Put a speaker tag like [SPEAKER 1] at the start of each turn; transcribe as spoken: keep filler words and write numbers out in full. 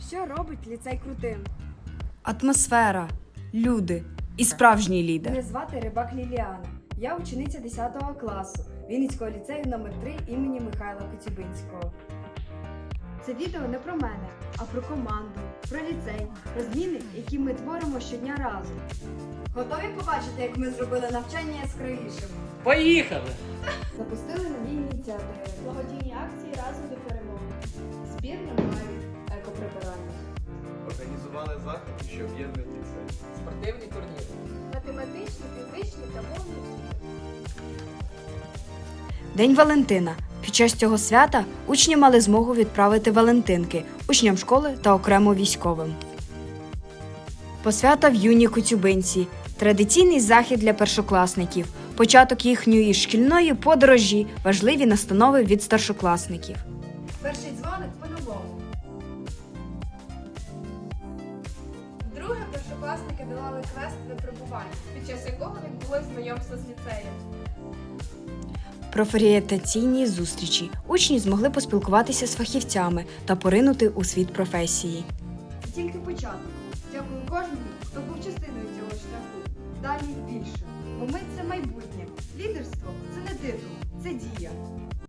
[SPEAKER 1] Що робить ліцей крутим?
[SPEAKER 2] Атмосфера, люди і справжній лідер.
[SPEAKER 1] Мене звати Рибак Ліліана. Я учениця десятого класу Вінницького ліцею номер три імені Михайла Коцюбинського. Це відео не про мене, а про команду, про ліцей, про зміни, які ми творимо щодня разом. Готові побачити, як ми зробили навчання яскравішим?
[SPEAKER 3] Поїхали!
[SPEAKER 1] Запустили нові ініціативи.
[SPEAKER 4] Благодійні акції разом до перемоги.
[SPEAKER 1] Збір на маю, екоприбирання.
[SPEAKER 5] Організували заходи, що об'єднують ліцей.
[SPEAKER 3] Спортивні турніри.
[SPEAKER 4] Математичні, фізичні та мовні ігри.
[SPEAKER 2] День Валентина. Під час цього свята учні мали змогу відправити валентинки учням школи та окремо військовим. Посвята в юній Коцюбинці. Традиційний захід для першокласників. Початок їхньої шкільної подорожі. Важливі настанови від старшокласників.
[SPEAKER 1] Перший дзвоник по-новому.
[SPEAKER 4] Вдруге першокласники долали квест випробування, під час якого відбулось знайомство з ліцеєм.
[SPEAKER 2] Профорієнтаційні зустрічі. Учні змогли поспілкуватися з фахівцями та поринути у світ професії.
[SPEAKER 1] Це тільки початок. Дякую кожному, хто був частиною цього шляху. Далі більше. Бо ми – це майбутнє. Лідерство – це не титул, це дія.